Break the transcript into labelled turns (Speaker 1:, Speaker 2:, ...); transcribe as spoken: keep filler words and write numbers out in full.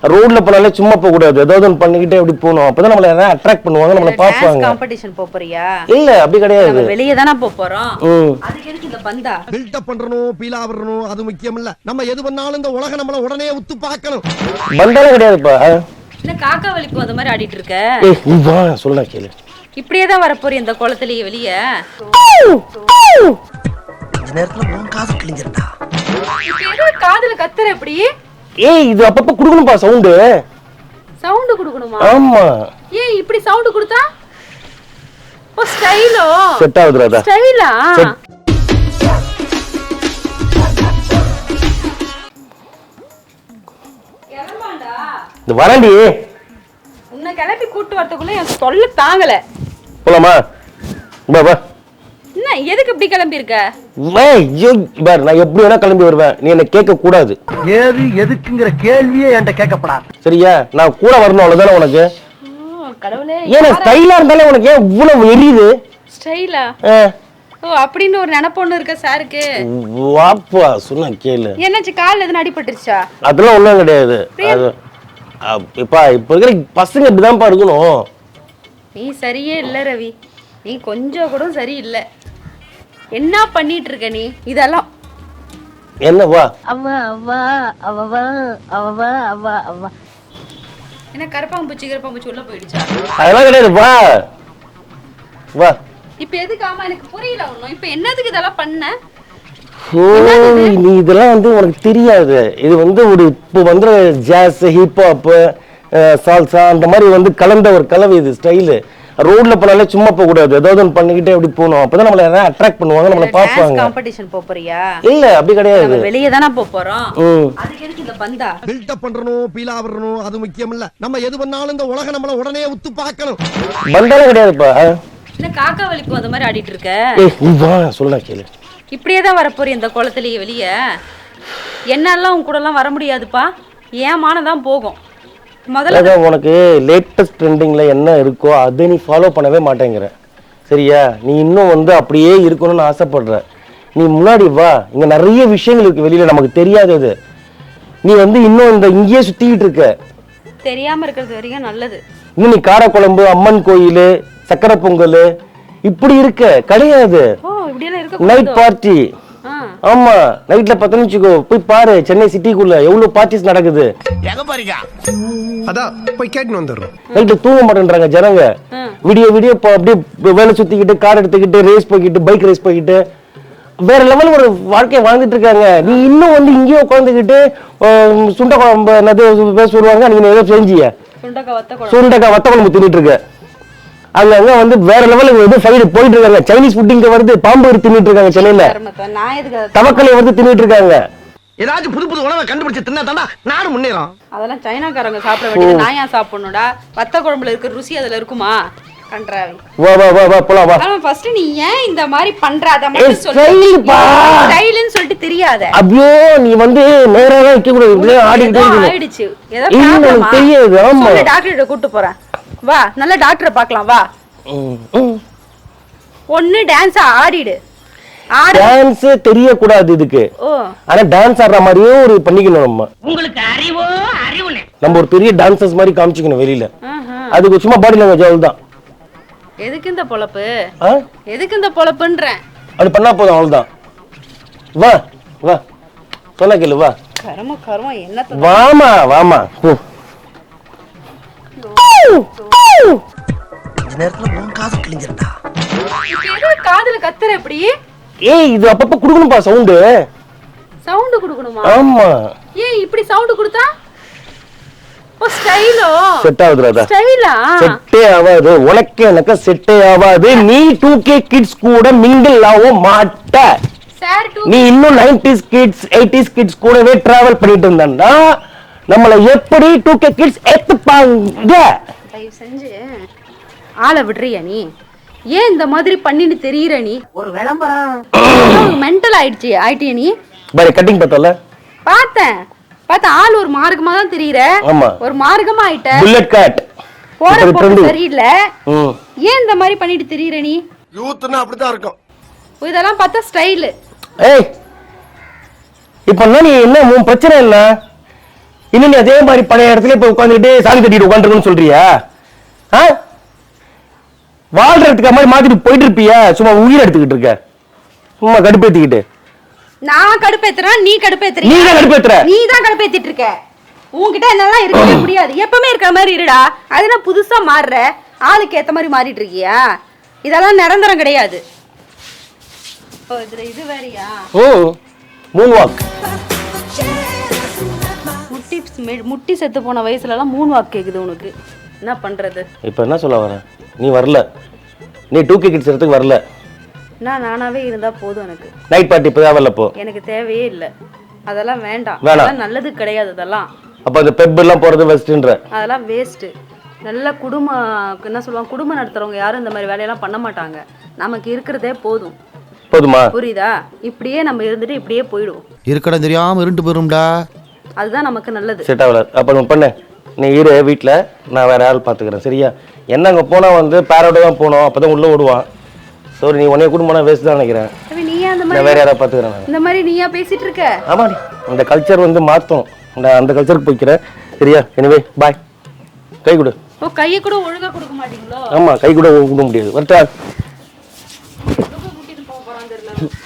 Speaker 1: ரோட்ல போனாலே சும்மா போக கூடாது, ஏதாவது ஒன்று பண்ணிக்கிட்டே அப்படி போகணும். அப்பதான் நம்மள யாராவது அட்ராக்ட் பண்ணுவாங்க, நம்மள பாப்பாங்க.
Speaker 2: காம்படிஷன் போறியா?
Speaker 1: இல்ல அப்படி கிடையாது,
Speaker 2: வெளியே தானே போறோம். அதுக்கு எதுக்கு இந்த பந்தா?
Speaker 3: பில்ட் அப் பண்றணும், பீலா வரணும், அது முக்கியம் இல்ல. நம்ம எது பண்ணாலும் இந்த உலகம் நம்மள உடனே உத்து பார்க்கணும்.
Speaker 1: பந்தால கிடையாதுப்பா.
Speaker 2: என்ன காக்கா வலிப்பு அந்த மாதிரி ஆடிட்டு இருக்க?
Speaker 1: ஏய் நீ வா சொல்லுடா கேளு.
Speaker 2: இப்படியே தான் வர போறீ இந்த குளத்திலேயே வெளியே?
Speaker 3: இந்த நேரத்துல உன் காது கிழிஞ்சிரடா.
Speaker 2: ஏதோ காதுல கத்துற எப்படி?
Speaker 1: ஏய் இது அப்பப்ப குடுக்கணும்பா சவுண்ட்.
Speaker 2: சவுண்ட் குடுக்கணுமா?
Speaker 1: ஆமா.
Speaker 2: ஏய் இப்படி சவுண்ட் குடுத்தா ஓ ஸ்டைலோ
Speaker 1: செட் ஆகுதுடா.
Speaker 2: ஸ்டைலா? எலமாண்டா
Speaker 1: இந்த வரண்டி
Speaker 2: உன்னை கிளப்பி கூட்டு வரதுக்குள்ள எனக்கு தொல்லை தாங்கல.
Speaker 1: போலாமா? பா பா.
Speaker 2: என்ன எதுக்கு இப்படி கிளம்பி இருக்க?
Speaker 1: ஏய் யோ பார், நான் எப்படி வேணா கிளம்பி வருவேன், நீ என்ன கேட்க கூடாது.
Speaker 3: ஏது எதுக்குங்கற கேள்வியே என்கிட்ட கேட்கப்படாது.
Speaker 1: சரியா? நான் கூட வரணும் அவ்வளவுதானே உனக்கு.
Speaker 2: கடவுளே,
Speaker 1: ஏன் ஸ்டைலா இருந்தாலே உனக்கு ஏன் இவ்வளவு எரியுது?
Speaker 2: ஸ்டைலா? ஓ அப்படின்னு ஒரு நினைப்பொண்ணு இருக்க சாருக்கு.
Speaker 1: வாப்பா சொன்னா கேளு.
Speaker 2: என்னாச்சு, கால்ல எதுவும் அடிபட்டுருச்சா?
Speaker 1: அதெல்லாம் ஒண்ணும் கிடையாது. அது இப்ப இப்ப இருக்கிற பசங்க இப்படிதான்ப்பா இருக்கணும்.
Speaker 2: நீ சரியே இல்ல ரவி, நீ கொஞ்சம் கூட சரி இல்ல. என்ன பண்ணிட்டு இருக்க நீ? இதெல்லாம்
Speaker 1: என்ன வா
Speaker 4: அவா அவா அவவா அவவா அவா அவா
Speaker 2: என்ன கரப்பாம்பூச்சி கரப்பாம்பூச்சி உள்ள போயிடுச்சா?
Speaker 1: அதெல்லாம் கிடையாது, வா வா.
Speaker 2: இப்ப எதுக்கு? ஆமா எனக்கு புரியல ஒண்ணும். இப்ப என்னதுக்கு இதெல்லாம் பண்ண?
Speaker 1: ஓ நீ இதெல்லாம் வந்து உனக்கு தெரியாது. இது வந்து ஒரு இப்போ வந்து ஜாஸ், ஹிப்ஹாப், சால்சா அந்த மாதிரி வந்து கலந்த ஒரு கலவை. இது ஸ்டைலு. ரோட்ல போனாலே சும்மா போக கூடாது, ஏதாவது ஒன்று பண்ணிக்கிட்டே அப்படி போகணும். அப்பதான் நம்மள யாராவது அட்ராக்ட் பண்ணுவாங்க, நம்மள பாப்பாங்க.
Speaker 2: காம்படிஷன் போறியா?
Speaker 1: இல்ல அப்படி கிடையாது,
Speaker 2: வெளியே தானே போறோம். அதுக்கு எதுக்கு இந்த பந்தா?
Speaker 3: பில்ட் அப் பண்றணும், பீலா வரணும், அது முக்கியம் இல்ல. நம்ம எது பண்ணாலும் இந்த உலகம் நம்மள உடனே உத்து பார்க்கணும்.
Speaker 1: பந்தால கிடையாதுப்பா.
Speaker 2: என்ன காக்கா வலிப்பு அந்த மாதிரி ஆடிட்டு இருக்க?
Speaker 1: ஏய் நீ வா சொல்லுடா கேளு.
Speaker 2: இப்படியே தான் வர போறீ இந்த குளத்திலேயே வெளியே? என்னாலாம் உன் கூட எல்லாம் வர முடியாதுப்பா, ஏமானதான் போகும். முதல்ல
Speaker 1: உனக்கு லேட்டஸ்ட் ட்ரெண்டிங்ல என்ன இருக்கோ அதை நீ ஃபாலோ பண்ணவே மாட்டேங்கிற. சரியா? நீ இன்னும் வந்து அப்படியே இருக்கணும்னு ஆசைப்படுற. நீ முன்னாடி வா, இங்க நிறைய விஷயங்கள் இருக்கு வெளியில நமக்கு தெரியாதது. நீ வந்து இன்னும் இந்த இங்கேயே சுத்திக்கிட்டு இருக்க.
Speaker 2: தெரியாம இருக்கிறது வரைக்கும் நல்லது.
Speaker 1: இன்னும் நீ காரக்குழம்பு, அம்மன் கோயில், சக்கரை பொங்கல் இப்படி இருக்க கிடையாது. Night party. ஆமா நைட்ல பத்து நிமிஷம் போய் பாரு, சென்னை சிட்டிக்குள்ள எவ்வளவு பார்ட்டிஸ் நடக்குது.
Speaker 3: அதான் போய் கேட்டு வந்துடுறோம்.
Speaker 1: நைட்ல தூங்க மாட்டேன்றாங்க ஜனங்க. விடிய விடிய அப்படியே வேலை சுத்திக்கிட்டு, கார் எடுத்துக்கிட்டு, ரேஸ் போய்கிட்டு, பைக் ரேஸ் போய்கிட்டு வேற லெவல் ஒரு வாழ்க்கையை வாழ்ந்துட்டு இருக்காங்க. நீ இன்னும் வந்து இங்கேயே உட்காந்துக்கிட்டு சுண்ட குழம்பு என்னது சொல்லுவாங்க, நீங்க ஏதோ செஞ்சிய சுண்டக்காய் வத்த குழம்பு தின்னுட்டு இருக்க. அங்க அங்க வந்து வேற லெவலுக்கு வந்து ஃபைட் போயிட்டு இருக்காங்க. சைனீஸ் ஃபுட் இங்க வருது, பாம்பு தின்னுட்டு இருக்காங்க சென்னையில, தவக்கலை வந்து தின்னுட்டு இருக்காங்க.
Speaker 3: ஏதாச்சும் புது புது உணவை கண்டுபிடிச்சு தின்னா தாண்டா நானும் முன்னேறோம்.
Speaker 2: அதெல்லாம் சைனாக்காரங்க சாப்பிட வேண்டியது, நான் ஏன் சாப்பிடணும்டா? வத்த குழம்புல இருக்கிற ருசி அதுல இருக்குமா? கன்றாவி.
Speaker 1: வா வா வா வா போலாம் வா.
Speaker 2: ஆனா ஃபர்ஸ்ட் நீ ஏன் இந்த மாதிரி பண்ற? அத மட்டும் சொல்லு. ஸ்டைல்பா. ஸ்டைல்னு சொல்லிட்டு தெரியாத.
Speaker 1: ஐயோ நீ வந்து நேராவே வைக்க கூடாது, இப்படியே ஆடிட்டே இருக்க.
Speaker 2: ஆயிடுச்சு. ஏதோ ப்ராப்ளமா?
Speaker 1: தெரியாது. ஆமா
Speaker 2: சொல்லு, டாக்டர் கிட்ட கூட்டி போறேன். வா, நல்ல டாக்டரை பார்க்கலாம் வா. ஒண்ணு டான்ஸ் ஆடிடு.
Speaker 1: டான்ஸ் தெரிய கூடாது இதுக்கு. ஆனா டான்ஸ் ஆடுற மாதிரியே ஒரு பண்ணிக்கணும் நம்ம. உங்களுக்கு அறிவோ அறிவுனே. நம்ம ஒரு பெரிய டான்சர்ஸ் மாதிரி காமிச்சிக்கணும் வெளியில. அதுக்கு சும்மா பாடி லாங்குவேஜ் அவ்வளவுதான்.
Speaker 2: எதுக்கு இந்த பொளப்பு? எதுக்கு இந்த பொளப்புன்றேன்?
Speaker 1: அது பண்ணா போதும், அவ்வளவுதான். வா வா சொன்னா கேளு, வா.
Speaker 2: கர்ம கர்ம என்னத்த?
Speaker 1: வாமா வாமா.
Speaker 3: இந்த நேரத்துல உன் காது கிழிஞ்சிரடா.
Speaker 2: ஏதோ காதுல கத்துற எப்படி?
Speaker 1: ஏய் இது அப்பப்ப குடுக்கணும்பா சவுண்ட்.
Speaker 2: சவுண்ட் குடுக்கணுமா?
Speaker 1: ஆமா.
Speaker 2: ஏய் இப்படி சவுண்ட் கொடுத்தா ஓ ஸ்டைலோ
Speaker 1: செட் ஆகுதுடா.
Speaker 2: ஸ்டைலா?
Speaker 1: செட்டே ஆகாது உனக்கு, எனக்கு செட்டே ஆகாது. நீ டூ கே கிட்ஸ் கூட மிங்கிள் ஆக மாட்ட.
Speaker 2: சார் டூ
Speaker 1: நீ இன்னும் நைன்டீஸ் கிட்ஸ் எய்டீஸ் கிட்ஸ் கூடவே டிராவல் பண்ணிட்டு இருந்தா நம்மள எப்படி டூ கே கிட்ஸ் ஏத்துப்பாங்க?
Speaker 2: தயவு செஞ்சு ஆளை விடுறியா நீ? ஏன் இந்த மாதிரி பண்ணிட்டு தெரியற நீ?
Speaker 4: ஒரு விளம்பரம்
Speaker 2: மென்டல் ஆயிடுச்சு ஆயிட்டியா நீ?
Speaker 1: பாரு கட்டிங் பார்த்தல
Speaker 2: பார்த்தேன் பார்த்தா ஆள் ஒரு மார்க்கமா தான் தெரியற. ஒரு மார்க்கமா ஆயிட்ட.
Speaker 1: புல்லட் கட்
Speaker 2: போற போற சரியில்லை. ஏன் இந்த மாதிரி பண்ணிட்டு தெரியற நீ?
Speaker 3: யூத்னா அப்படிதான் இருக்கும்.
Speaker 2: இதெல்லாம் பார்த்தா ஸ்டைல்.
Speaker 1: ஏய் இப்போ நீ என்ன உன் பிரச்சனை என்ன? இன்னும் நீ அதே மாதிரி பழைய இடத்துல இப்ப உட்காந்துக்கிட்டு சாமி கட்டிட்டு உட்காந்துருக்குன்னு சொல்றியா? ஆ? வாழ்றதுக்கு மாதிரி மாத்திட்டு போயிட்டு இருப்பியா? சும்மா உயிர் எடுத்துக்கிட்டு இருக்க, சும்மா கடுப்பேத்திக்கிட்டு.
Speaker 2: நான் கடுப்பேத்துறேன், நீ கடுப்பேத்துற.
Speaker 1: நீ தான் கடுப்பேத்துற.
Speaker 2: நீ தான் கடுப்பேத்திட்டு இருக்க. உன்கிட்ட என்னெல்லாம் இருக்கவே முடியாது. எப்பவுமே இருக்கிற மாதிரி இருடா. அதுனா புதுசா மாறுற, ஆளுக்கு ஏத்த மாதிரி மாறிட்டு இருக்கியா? இதெல்லாம் நிரந்தரம் கிடையாது. ஓ இதுல இது வேறயா?
Speaker 1: ஓ மூன் வாக்.
Speaker 2: முட்டி முட்டி செத்து போன வயசுல எல்லாம் மூன் வாக் கேக்குது உனக்கு. என்ன பண்றது?
Speaker 1: இப்ப என்ன சொல்ல வர? நீ வரல, நீ டூ கே கிட்ஸ் இடத்துக்கு வரல.
Speaker 2: நான் நானாவே இருந்தா போதும் எனக்கு.
Speaker 1: நைட் பார்ட்டி இப்பதான் வரல போ.
Speaker 2: எனக்கு தேவையே இல்லை, அதெல்லாம் வேண்டாம்.
Speaker 1: வேணாம்.
Speaker 2: அதெல்லாம் நல்லது கிடையாது. அதெல்லாம்
Speaker 1: அப்ப அந்த பெப் எல்லாம் போறது வெஸ்ட்ன்ற.
Speaker 2: அதெல்லாம் வேஸ்ட். நல்ல குடும்பம் என்ன சொல்லுவாங்க, குடும்பம் நடத்துறவங்க யாரும் இந்த மாதிரி வேலையெல்லாம் பண்ண மாட்டாங்க. நமக்கு இருக்கிறதே போதும்.
Speaker 1: போதுமா?
Speaker 2: புரியுதா? இப்படியே நம்ம இருந்துட்டு இப்படியே போயிடுவோம்.
Speaker 3: இருக்கடம் தெரியாம இருண்டு போயிரும்டா.
Speaker 2: அதுதான் நமக்கு நல்லது.
Speaker 1: செட் ஆகல. அப்ப நான் பண்ண நீ இரு வீட்டுல, நான் வேற ஆள் பாத்துக்கிறேன். சரியா? என்ன அங்க போனா வந்து பேரோட தான் போனோம், அப்பதான் உள்ள விடுவான். சரி நீ உன்னைய குடும்பம்னா வேஸ்ட் தான் நினைக்கிறேன்.
Speaker 2: நீயா அந்த
Speaker 1: நான்
Speaker 2: மாதிரி
Speaker 1: வேற யாராவது பாத்துக்கிறேன்.
Speaker 2: இந்த மாதிரி நீயா பேசிட்டு இருக்க?
Speaker 1: ஆமா, அந்த கல்ச்சர் வந்து மாத்தணும். நான் அந்த கல்ச்சருக்கு போய்க்கிறேன். சரியா? எனிவே பாய். கை கொடு.
Speaker 2: ஓ கையை கூட ஒழுங்கா கொடுக்க மாட்டீங்களோ?
Speaker 1: ஆமா, கை கூட கொடுக்க முடியாது. வரட்டா?